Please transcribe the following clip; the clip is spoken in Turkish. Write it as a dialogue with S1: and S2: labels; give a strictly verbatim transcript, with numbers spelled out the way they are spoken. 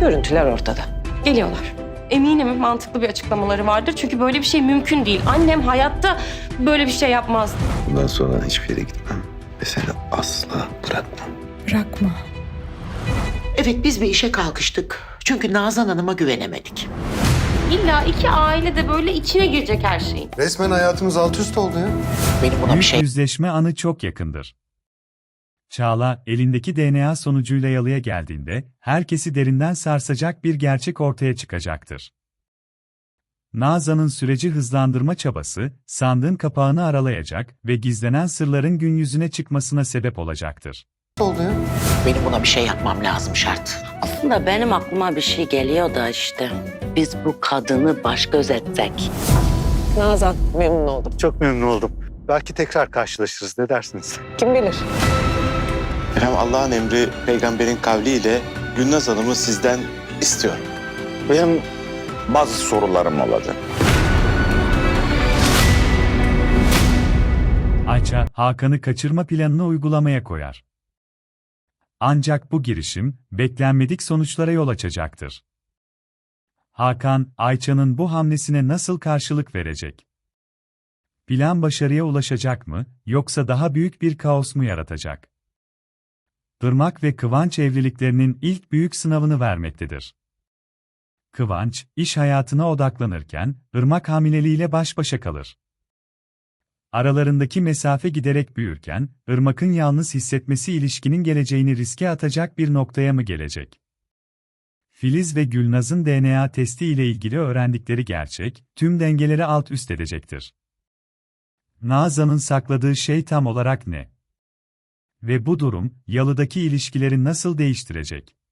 S1: Görüntüler ortada.
S2: Geliyorlar. Eminim mantıklı bir açıklamaları vardır. Çünkü böyle bir şey mümkün değil. Annem hayatta böyle bir şey yapmazdı.
S3: Bundan sonra hiçbir yere gitmem ve seni asla bırakmam.
S4: Bırakma.
S5: Evet, biz bir işe kalkıştık. Çünkü Nazan Hanım'a güvenemedik.
S2: İlla iki aile de böyle içine girecek her şeyin.
S6: Resmen hayatımız alt üst oldu ya.
S5: Benim buna bir
S7: Büyük
S5: şey...
S7: yüzleşme anı çok yakındır. Çağla, elindeki D N A sonucuyla yalıya geldiğinde, herkesi derinden sarsacak bir gerçek ortaya çıkacaktır. Nazan'ın süreci hızlandırma çabası, sandığın kapağını aralayacak ve gizlenen sırların gün yüzüne çıkmasına sebep olacaktır.
S6: oldu ya.
S5: Benim buna bir şey yapmam lazım, şart.
S8: Aslında benim aklıma bir şey geliyor da işte. Biz bu kadını baş göz etsek.
S1: Nazan, memnun oldum.
S6: Çok memnun oldum. Belki tekrar karşılaşırız. Ne dersiniz?
S1: Kim bilir?
S3: Efendim Allah'ın emri peygamberin kavliyle Gülnaz Hanım'ı sizden istiyorum.
S9: Benim bazı sorularım olacak.
S7: Ayça, Hakan'ı kaçırma planını uygulamaya koyar. Ancak bu girişim, beklenmedik sonuçlara yol açacaktır. Hakan, Ayça'nın bu hamlesine nasıl karşılık verecek? Plan başarıya ulaşacak mı, yoksa daha büyük bir kaos mu yaratacak? Irmak ve Kıvanç evliliklerinin ilk büyük sınavını vermektedir. Kıvanç, iş hayatına odaklanırken, Irmak hamileliğiyle baş başa kalır. Aralarındaki mesafe giderek büyürken, Irmak'ın yalnız hissetmesi ilişkinin geleceğini riske atacak bir noktaya mı gelecek? Filiz ve Gülnaz'ın D N A testi ile ilgili öğrendikleri gerçek, tüm dengeleri alt üst edecektir. Nazan'ın sakladığı şey tam olarak ne? Ve bu durum, Yalı'daki ilişkileri nasıl değiştirecek?